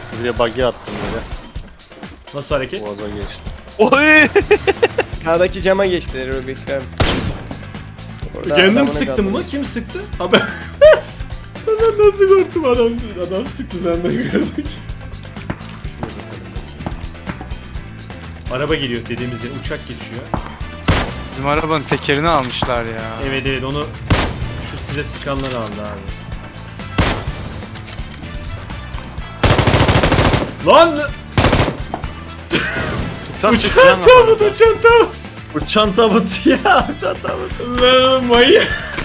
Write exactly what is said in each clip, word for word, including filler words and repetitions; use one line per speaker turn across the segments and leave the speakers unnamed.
Buraya buggy attım böyle.
Nasıl hareket?
Boğaza geçti.
Oy!
Sağdaki cama geçti Rubik'ten.
Kendim sıktım mı? Kim sıktı? Ha ben... ben nasıl korktum adam? Adam sıktı senden gördük. Araba geliyor dediğimiz yere, uçak geçiyor.
Bizim arabanın tekerini almışlar ya.
Evet evet, onu şu size sıkanlar aldı abi. Lan! Uçan tabut, uçan tabut!
Uçan tabut ya, uçan tabut.
Lan manyak!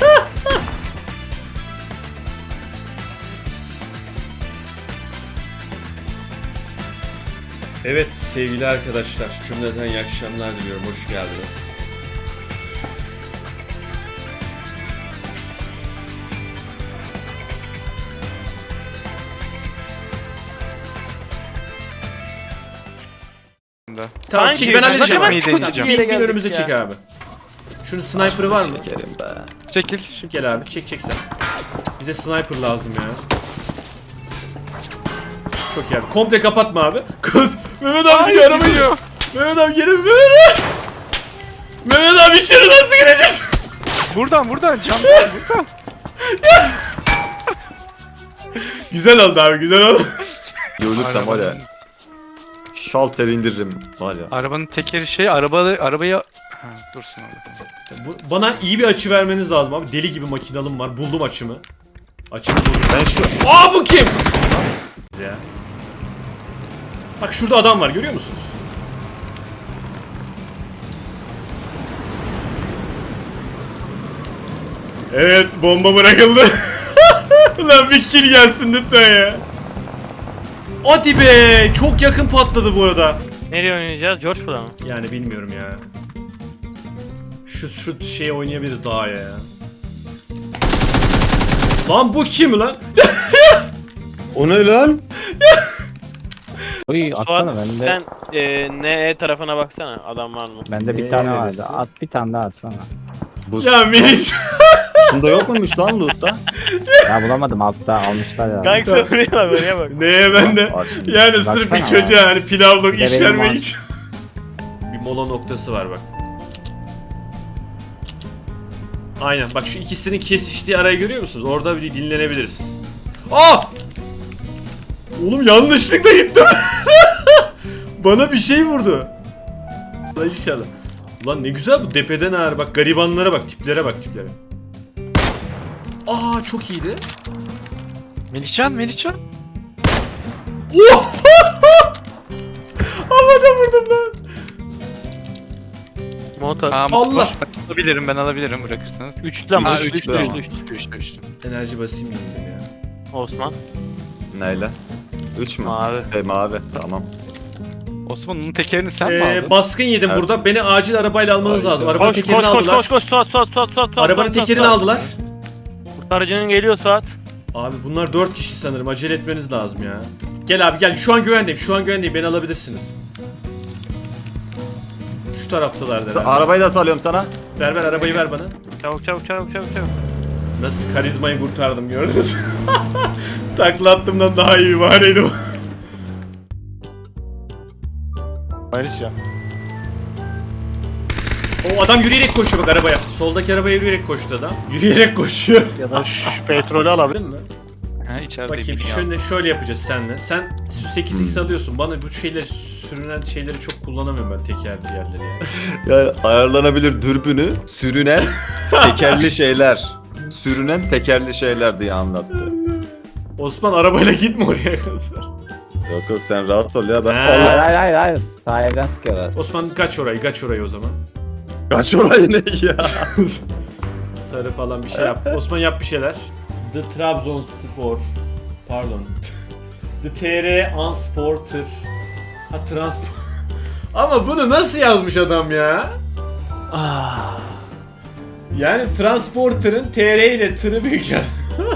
Evet sevgili arkadaşlar, cümleten iyi akşamlar diliyorum, hoş geldiniz. Tamam,
Hangi
şimdi ben
evden?
halledeceğim.
Ne
abi.
kadar deneyeceğim?
Bir gün önümüze çek abi. Şunun sniper'ı var mı?
Şekerim be.
Çekil.
Gel abi, çek çek sen. Bize sniper lazım ya. Çok iyi abi. Komple kapatma abi. Kız. Mehmet abi gidiyor, araba gidiyor. Mehmet abi geri. Mehmet abi. Mehmet abi içeri nasıl gireceğiz?
Buradan buradan cam var buradan.
Güzel oldu abi, güzel oldu.
Ölürsem var ya. Şalter indiririm var ya.
Arabanın tekeri şey araba arabayı ha, dursun orada.
Bu, bana iyi bir açı vermeniz lazım abi. Deli gibi makinalım var. Buldum açımı. Açımı buldum.
Ben şu...
Aa, bu kim? Ya. Bak şurada adam var, görüyor musunuz? Evet, bomba bırakıldı. Lan bir kill gelsin lütfen ya. Hadi be, çok yakın patladı bu arada.
Nereye oynayacağız? George Bull'a mı?
Yani bilmiyorum ya. Şu şu şey oynayabiliriz daha ya. Lan bu kim lan?
O ne lan?
Uy atsana
Suat,
bende.
sen e, ne tarafına baksana, adam var mı?
Bende bir
Ne
tane
neresi?
vardı. At bir tane daha atsana.
Bu
Ya Meriç.
Şunda yok muymuş lan loot'ta?
Ya bulamadım altta almışlar ya.
Kanka oraya bak, oraya bak.
Neye bende?
Aç şimdi.
Yani sırf bir
Baksana
çocuğa hani pilavlık
Bir de
iş
benim
vermek
var.
için. Bir mola noktası var bak. Aynen bak, şu ikisinin kesiştiği arayı görüyor musunuz? Orada bir dinlenebiliriz. Aa! Oğlum yanlışlıkla gittim. Bana bir şey vurdu. Lan inşallah. Ulan ne güzel bu depeden ağır, bak garibanlara bak, tiplere bak, tiplere. Aa, çok iyiydi.
Melihcan, Melihcan.
Havada vurdum lan.
Motor.
Tamam,
Allah.
boş. Ben alabilirim, ben alabilirim bırakırsanız.
Üçlü ama.
Ha,
Üçlü,
üçlü,
üçlü,
ama.
üçlü, üçlü.
Üçlü, üçlü.
Enerji basayım yeniden ya.
Osman.
Neyle? Üç mü?
Mavi.
Hey mavi, tamam.
Osman onun tekerini sen mi
Ee,
aldın?
baskın yedim
Evet.
burada. Beni acil arabayla almanız
Hayda.
lazım. Arabanın
Koş koş
tekerini
koş
aldılar.
koş koş Suat Suat Suat Suat Suat.
Arabanın
Suat,
tekerini
Suat.
aldılar.
Kurtarıcının geliyor Suat.
Abi bunlar dört kişi sanırım. Acele etmeniz lazım ya. Gel abi gel. Şu an güvendeyim. Şu an güvendeyim. Beni alabilirsiniz. Şu taraftalar herhalde.
Arabayı da salıyorum sana.
Ver ver arabayı ver bana.
Çabuk çabuk çabuk çabuk çabuk.
Nasıl karizmayı kurtardım gördünüz. Takla attığımdan daha iyi bir bahaneydi bu.
Ayrıca.
O adam yürüyerek koşuyor bak arabaya. Soldaki arabaya yürüyerek koştu adam. Yürüyerek koşuyor.
Ya da şu petrolü alabilir
Değil mi?
Ha, içeride
Bakayım
bir
şöyle, şöyle yapacağız seninle. Sen sekiz x alıyorsun. Bana bu şeyleri, sürünen şeyleri çok kullanamıyorum ben, teker yerleri ya.
Ya ayarlanabilir dürbünü, sürünen tekerli şeyler. Sürünen tekerli şeyler diye anlattı.
Osman arabayla gitme oraya kadar.
Yok yok sen rahat ol ya ben.
Ha.
Hayır
Allah.
hayır hayır hayır. Sağ evden sıkıyorlar.
Osman kaç orayı, kaç orayı o zaman.
Kaç orayı ne ya?
Sarı falan bir şey yap. Osman yap bir şeyler. The Trabzonspor. Pardon. The T R Unsporter. Ha, transport. Ama bunu nasıl yazmış adam ya?
Ah.
Yani Transporter'ın T R ile tırı büyük ya.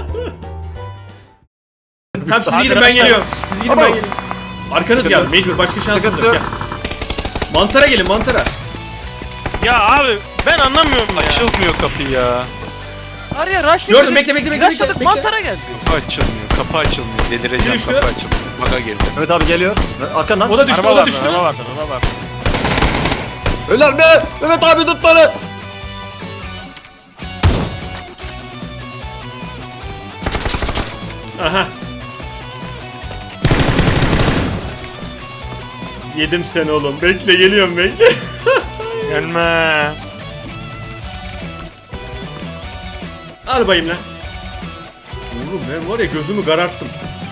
Tamam siz gidin, ben geliyorum. Siz gidin, ben geliyorum. Arkanız
Sıkıntı
geldi.
yok.
Mecbur, başka şansınız
Sıkıntı
yok.
yok.
Gel. Mantara gelin, mantara.
Ya abi ben anlamıyorum ya.
Açılmıyor kapı ya.
Var ya rush
Gördüm, bekle, bekle, bekle, bekle, bekle.
Mantara geldi.
Kapı açılmıyor. Kapı açılmıyor. Delireceğim,
Düştü.
kapı açılmıyor. Baga girdi.
Mehmet abi geliyor. Arkandan.
O da düştü,
Araba
o da
vardı,
düştü.
araba vardı, araba vardı.
Öler mi? Mehmet abi tut beni.
Aha. Yedim seni oğlum. Bekle, geliyorum, bekle.
Gelme.
Al bayım lan. Oğlum ben var ya gözümü kararttım.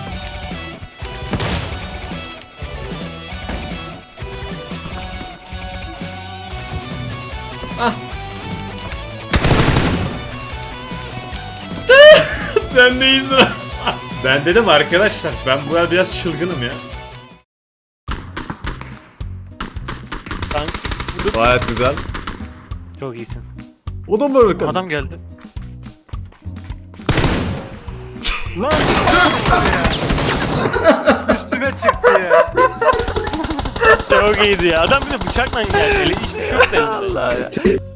Ah. Sen neyiz lan? Ben dedim arkadaşlar, ben bu el biraz çılgınım ya.
Tank.
Gayet güzel.
Çok iyisin.
O da mı öyle kadın?
Adam geldi.
Üstüme çıktı ya.
Çok iyiydi ya. Adam bir de bıçakla geldi. Eli hiçbir şey yok da elinde.
Allah ya.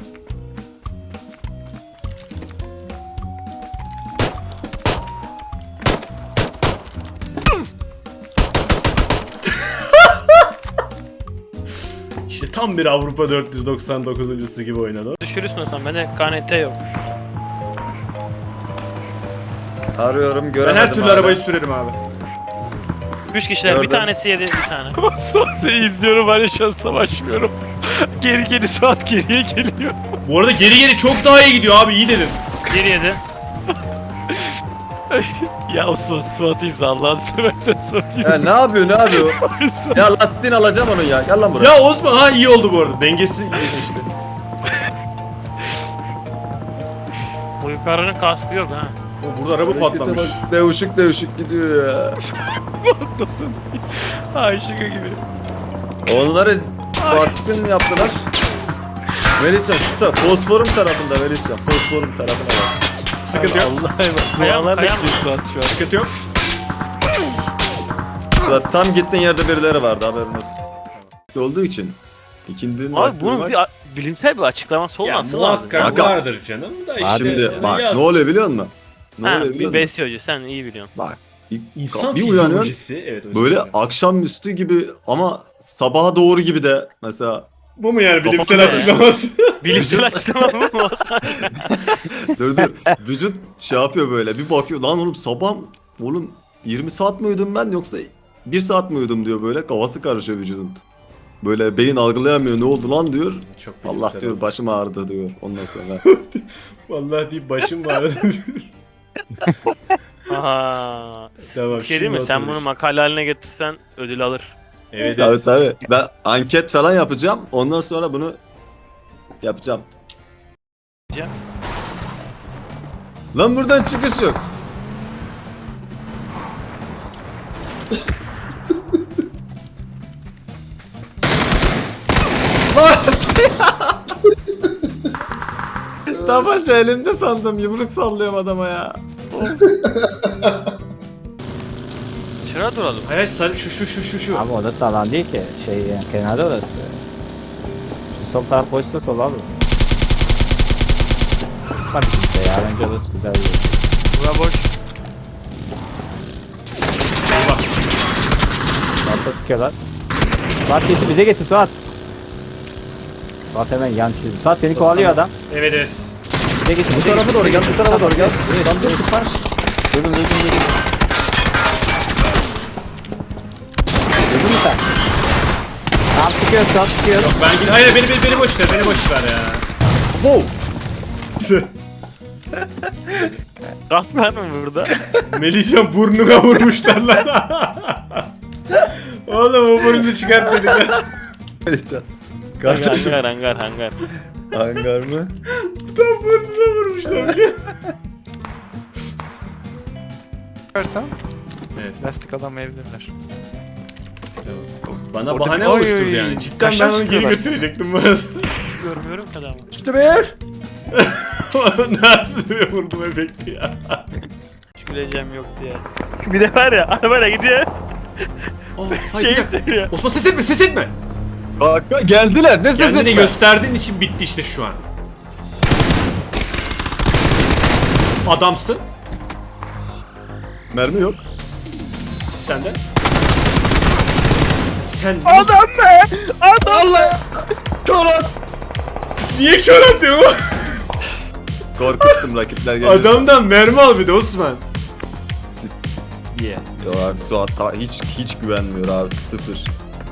İşte tam bir Avrupa dört yüz doksan dokuzuncusu gibi oynadı.
Düşürürsün o zaman. Bende K N T yok.
Arıyorum
Ben
göremedim.
her türlü
hala.
arabayı sürerim abi.
Üç kişiler.
Gördüm.
Bir tanesi yedi bir tane.
Seni izliyorum hani şu an savaşmıyorum. Geri geri Suat geriye geliyor.
Bu arada geri geri çok daha iyi gidiyor abi, iyi dedin.
Bir yedi.
Ya Osman Suat'ı izle Allah'ını seversen Suat'ı izle.
Ya ne yapıyor ne yapıyor? Ya lastiğini alacağım onun ya. Gel lan buraya.
Ya Osman ha iyi oldu bu arada. Dengesi iyi işte.
O yukarının kaskı yok ha.
O burada araba patlamış.
Bak, Devuşuk devuşuk gidiyor ya.
Ay şaka gibi.
Onları baskın yaptılar. Melihcan şu taraf. Fosforum tarafında Melihcan. Fosforum tarafına bak.
Sıkıntı yok.
Allah'a emanet.
Kayam,
Dualarla
kayam.
gidiyor Suat şu an.
Sıkıntı yok.
Sıra tam gittiğin yerde birileri vardı haberin olsun. Olduğu için. İkindinin
Abi
vakti
bunun
var.
bir a- bilimsel bir açıklaması
Ya
olması lazım.
muhakkak
Kanka.
vardır canım da işte.
Şimdi
yani
bak
yaz.
ne oluyor biliyor musun? Ne
Ha,
oluyor
bir
biliyor musun?
besyocu sen iyi biliyorsun.
Bak. Bir,
İnsan
bir uyanıyorsun.
fizyolojisi. Evet, özür
Böyle
dilerim.
akşamüstü gibi ama sabaha doğru gibi de mesela
Bu mu yani bilimsel
Kafamda-
açıklaması?
Bilimsel açıklama mı bu?
dur dur vücut şey yapıyor böyle bir bakıyor lan oğlum sabah oğlum yirmi saat mi uyudum ben yoksa bir saat mi uyudum diyor böyle kafası karışıyor vücudun. Böyle beyin algılayamıyor ne oldu lan diyor.
Çok
Allah
bilimsel
diyor
oldu.
başım ağrıdı diyor ondan sonra.
Vallahi deyip başım ağrıdı.
Aha.
Tamam,
Bir şey değil mi?
şimdi
Sen
oturmuş.
bunu makale haline getirsen ödül alır.
Evet,
Tabii
evet.
tabii ben anket falan yapacağım ondan sonra bunu yapacağım.
Yapacağım.
Lan buradan çıkış yok. Lan! Tabanca elimde sandım yumruk sallıyorum adama ya.
Şuraya duralım.
Hayır sarı şu şu şu şu şu.
Abi orası alan değil ki. Şey yani kenarda orası. Şu sol taraf boşsa sol abi. Bak işte ya bence orası güzel bir yer.
Bura boş.
Bak.
Suat'a sıkıyorlar. Suat getir bize getir Suat. Suat hemen yan çizdi. Suat seni kovalıyor adam.
Evet evet.
Bize getir.
Bu tarafa doğru gel, bu tarafa doğru gel. Lan dur tıpaş.
Durun durun durun. Duydun mu sen? Tamam sıkıyor Suat sıkıyor.
Yok ben hayır beni beni, beni boş ver beni boş ver ya.
Wow.
Gaz var mı burada?
Melihcan burnuna vurmuşlar lan. Oğlum o burnunu çıkart dedik ya.
Melihcan.
hangar
Kardeşim.
hangar hangar hangar.
Hangar mı?
Tam burnuna vurmuşlar bir de.
Bakarsan
Evet.
lastik alamayabilirler.
Bana
Orada
bahane
bir- Oy,
oluşturdu
oy,
yani. Cidden ben
kaşlar
onu geri
çıkıyorlar.
götürecektim bu arada.
Görmüyorum ki adamı.
İşte bir.
Nasıl bir vurdum efekti ya.
Hiç güleceğim yok diye. Bir de var ya arabayla gidiyor.
Oh, hayır, bir
Şey
dakika.
söylüyor.
Osman ses etme ses etme.
Kanka geldiler ne sesi?
Kendini gösterdiğin için bitti işte şu an. Adamsın.
Mermi yok.
Sen de. Sen
Adam be! Adam!
Allah! Çorak!
niye kör atıyorsun?
Korkuttum rakipler geliyor.
Adamdan mermi al bir de Osman.
Siz...
Diye.
Yo abi Suat ta- hiç hiç güvenmiyor abi, sıfır.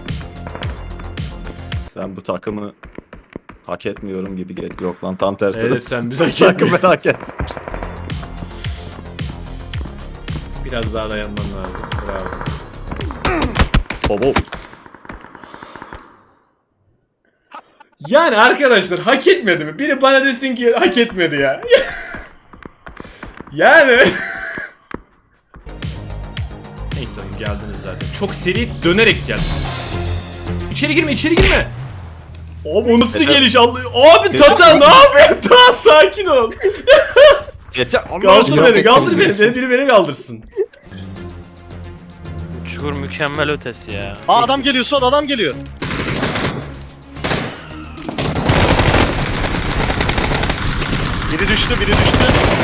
Ben bu takımı hak etmiyorum gibi geliyor. Yok lan tam tersi.
Evet, sen bizi hak
Takımı
etmiyorsun.
hak et.
Biraz daha dayanman lazım. Bravo.
Baba.
Yani arkadaşlar hak etmedi mi? Biri bana desin ki hak etmedi ya. Yani. Neyse oğlum, geldiniz zaten. Çok seri dönerek geldi. İçeri girme, içeri girme. Abi o nasıl
Yeter.
geliş Allah. Abi
Yeter.
Tata ne yapıyorsun? Daha sakin ol.
Yeter.
Kaldır beni, kaldır beni. Beni biri beni kaldırsın.
Çukur mükemmel ötesi ya.
Aa adam geliyor Suat, adam geliyor. Biri düştü, biri düştü.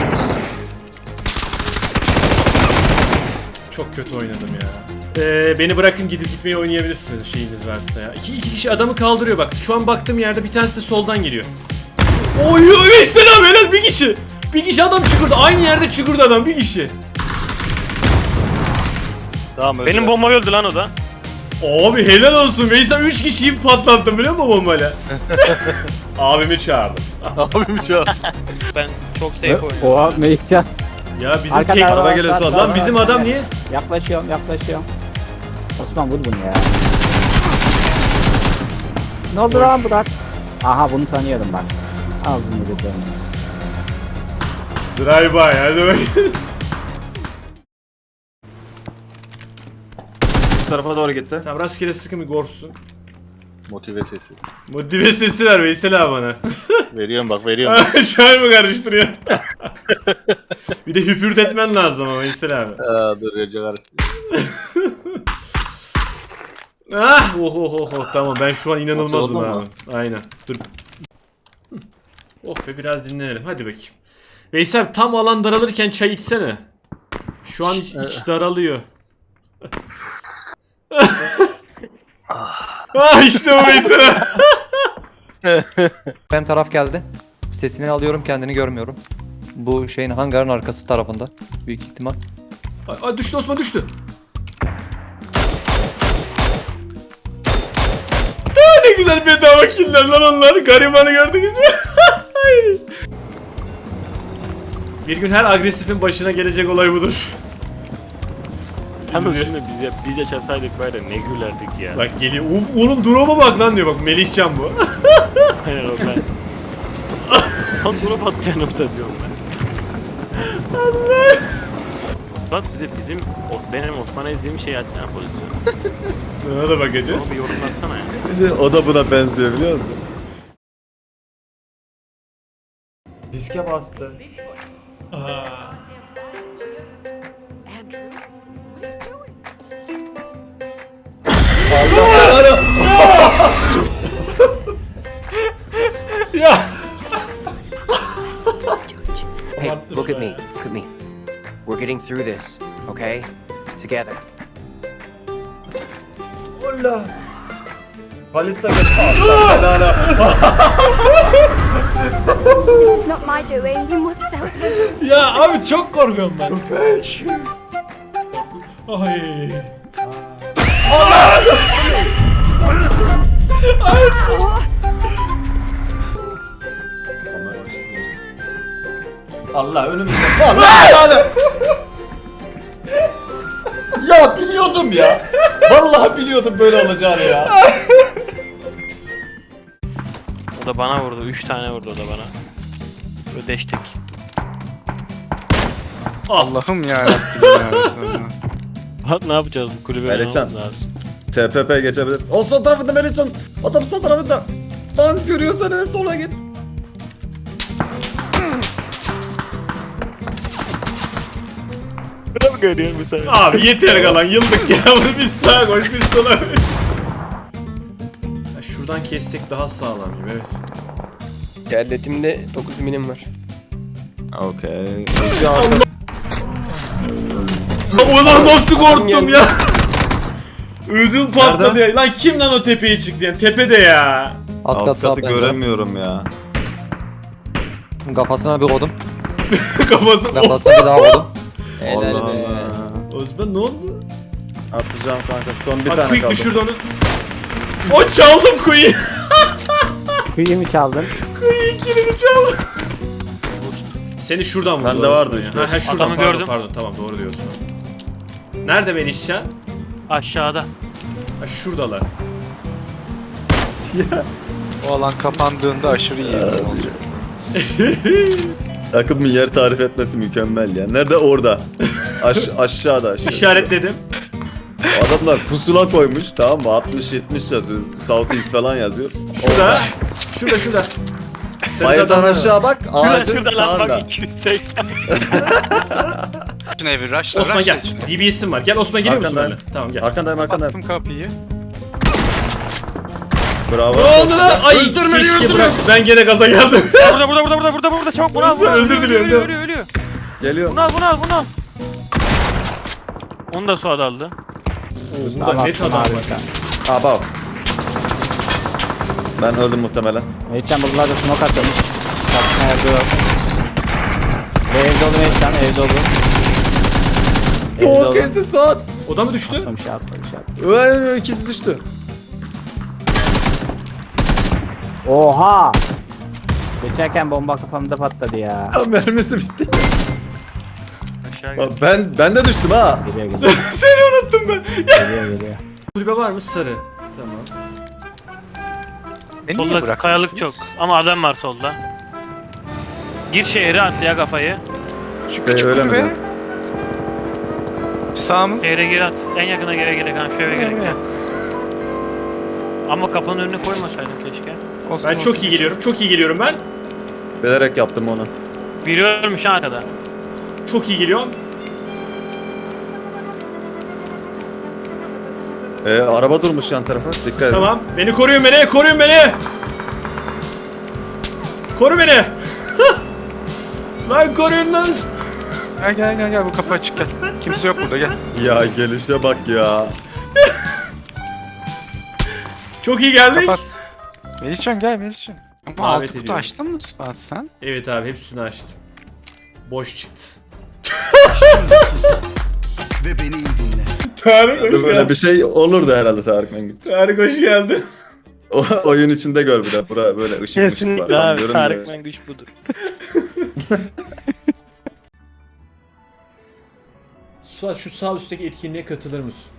Çok kötü oynadım ya. Ee, beni bırakın, gidip gitmeyi oynayabilirsiniz şeyiniz varsa ya. İki, iki kişi adamı kaldırıyor bak. Şu an baktığım yerde bir tanesi de soldan geliyor. Oy oy selam helal bir kişi. Bir kişi adam çukurda. Aynı yerde çukurda adam bir kişi.
Tamam öldü.
Benim bomba öldü lan o da.
Abi helal olsun. Veysel üç kişiyi patlattım biliyor musun bombayla? Abimi çağırdım.
Abim şu an.
Ben çok safe oynuyorum.
Oha Melihcan.
Ya bizim
Arkada
tek...
araba
Araba
var,
geliyor,
sağ-
Suat.
sağ-
Lan bizim
sağ-
adam niye...
Yaklaşıyorum yaklaşıyorum. Osman vur bunu ya. Ne oldu lan Burak? Aha bunu tanıyordum bak. Ağzını yedirdim.
Drive by hadi bakayım.
Bu tarafa doğru gitti.
Tamam rastgele sıkın bir gorsun.
Motive sesi.
Motive sesi ver Veysel abi bana.
Veriyorum bak, veriyorum.
Şair mi karıştırıyor? Bir de hüpürdetmen lazım ama Veysel abi.
Aa dur, önce karıştırıyorum.
Ah oh oh oh oh tamam ben şu an inanılmazım
Mutlu oldun
abi.
mu?
Aynen dur. Hı. Oh be biraz dinlenelim hadi bakayım. Veysel abi, tam alan daralırken çay içsene. Şu an iç, iç daralıyor. Ah işte o Veysel abi.
Benim taraf geldi. Sesini alıyorum, kendini görmüyorum. Bu şeyin hangarın arkası tarafında. Büyük ihtimal.
Ay, ay düştü Osman düştü. Aa, ne güzel bedava killer lan onlar. Garibanı gördünüz mü? Bir gün her agresifin başına gelecek olay budur.
Yalnız şimdi biz, biz yaşasaydık böyle ne gülerdik ya.
Bak geliyor. Uf oğlum drop'a bak lan diyor bak Melihcan bu.
Aynen o ben. Lan durup attı yanımda diyorum ben. Allah. Bak bize bizim, o- benim Osman'a izlediğim şeyi açsana pozisyonu.
Ona da bakacağız.
Onu bir yorumlasana ya.
İşte o da buna benziyor biliyor musun? Diske bastı.
Aa.
Andrew, what are you doing?
Ya.
Hey,
Abarttın
look at
be.
me. Look at me. We're getting through this, okay? Together.
Ulla. Palista gel. Allah helala.
This is not my doing. You must help me.
Ya abi çok korkuyorum ben. Ay.
Allah önümüzde. Allah helala. Ya biliyordum ya. Vallahi biliyordum böyle olacağını ya.
O da bana vurdu. Üç tane vurdu o da bana. Ödeştik.
Allah'ım yarabbim ya.
Bak ne yapacağız bu kulübe?
Melihcan.
ne lazım?
T P P geçebiliriz. O sağ tarafında Melihcan. Adam sağ tarafında. Lan görüyorsan en sola git.
Ne mi görüyorsun bu sefer?
Abi yeter kalan yıldık ya. Bunu bir sağa koş bir sola koş. Ya şuradan kessek daha sağlam gibi evet.
Kelletimde dokuz milim var.
Okey. Özgü arkası.
Ulan nasıl korktum ya. Ödüm patladı
Nerede?
ya. Lan kim lan o tepeye çıktı yani? Tepede ya.
Alt kat
Alt
sağ
katı
bende.
göremiyorum ya.
Kafasına bir kodum.
Kafası.
Kafasına bir daha kodum.
Allah
Helal be.
Allah.
Osman ne oldu?
Atacağım kanka. Son bir
Bak
tane
quick
kaldı.
düşürdü onu. O çaldım kuyu.
Kıyı mı çaldın?
Kuyu kilini çaldım. Seni şuradan vurdu.
Bende vardı
Osman
üç
ya.
beş.
Ha, ha, şuradan,
Adamı
pardon,
gördüm.
Pardon tamam doğru diyorsun. Nerede Melihcan?
Aşağıda.
Ha şuradalar.
O alan kapandığında aşırı iyi olacak.
Takımın yer tarif etmesi mükemmel ya. Nerede? Orada. Aş aşağıda aşağıda.
İşaretledim.
Adamlar pusula koymuş, tamam mı? altmış yetmiş yazıyor. South East falan yazıyor.
Şurada. Şurada şurada. Sarı
Bayırdan
adamlar var.
aşağı bak. Ağacın
Şurada lan
sağında.
bak iki yüz seksen.
Şuna bir rushla
Osman
rushla
gel.
içine.
D B S'im var. Gel Osman geliyor musun
Arkandayım.
benimle? Tamam gel.
Arkandayım arkandayım.
Attım kapıyı.
Bravo.
Ne oldu lan? Ay keşke bırak. Ben gene gaza geldim.
Burada burada burada burada burada burada çabuk bunu al bunu al.
Özür
Ölüyor,
diliyorum,
Ölüyor
tamam.
ölüyor ölüyor.
Geliyor.
Bunu al bunu al bunu al. Onu da Suat aldı.
Oo, burada
Tamam,
net adam var.
harika.
Aa bak. Ben öldüm muhtemelen.
Mehmetcan buralarda smoke atıyormuş. Saçma evde yok. Ve ev dolu Mehmetcan, ev dolu. Ev
O
dolu.
kesin saat.
O da mı düştü?
Atma bir şey atma bir şey atma.
Öyle ikisi düştü.
Oha! Geçerken bomba kafamda patladı ya.
Ya mermisi bitti.
Aşağı gel.
Bak ben ben de düştüm ha.
Geliyor geliyor.
Seni unuttum ben.
Geliyor geliyor.
Kulübe var mı? Sarı. Tamam.
Beni niye
Solda
bıraktınız?
kayalık çok. Ama adam var solda. Gir şehre at ya kafayı.
Şu
Ee,
küçük
öyle mi
kulübe.
lan?
Sağımız.
Şehre gir at. En yakına gire gire kan şu eve gerek ya. Ama kapının önüne koymasaydın keşke.
Olsun,
Ben
olsun.
çok iyi geliyorum. Çok iyi geliyorum ben.
Bilerek yaptım onu.
Biri ölmüş ha arkada.
Çok iyi geliyorum.
Ee, araba durmuş yan tarafa. Dikkat edin.
Tamam. Beni koruyun beni. Koruyun beni. Koru beni. Lan koruyun lan.
Gel gel gel gel bu kapı açık gel. Kimse yok burada gel.
Ya gelişe bak ya.
Çok iyi geldik.
Kapat. Melihcan gel Melihcan. Ama
Davet
altı kutu
ediyorum.
açtın mı Suat sen?
Evet abi hepsini açtım. Boş çıktı.
Ve beni iyi dinle.
Tarık hoş
Böyle
geldin.
bir şey olurdu herhalde Tarık Mengü.
Tarık hoş geldin.
O oyun içinde gör bir de. Bura böyle ışık ışık var. Tam görünmüyor.
Mengüç budur.
Suat şu sağ üstteki etkinliğe katılır mısın?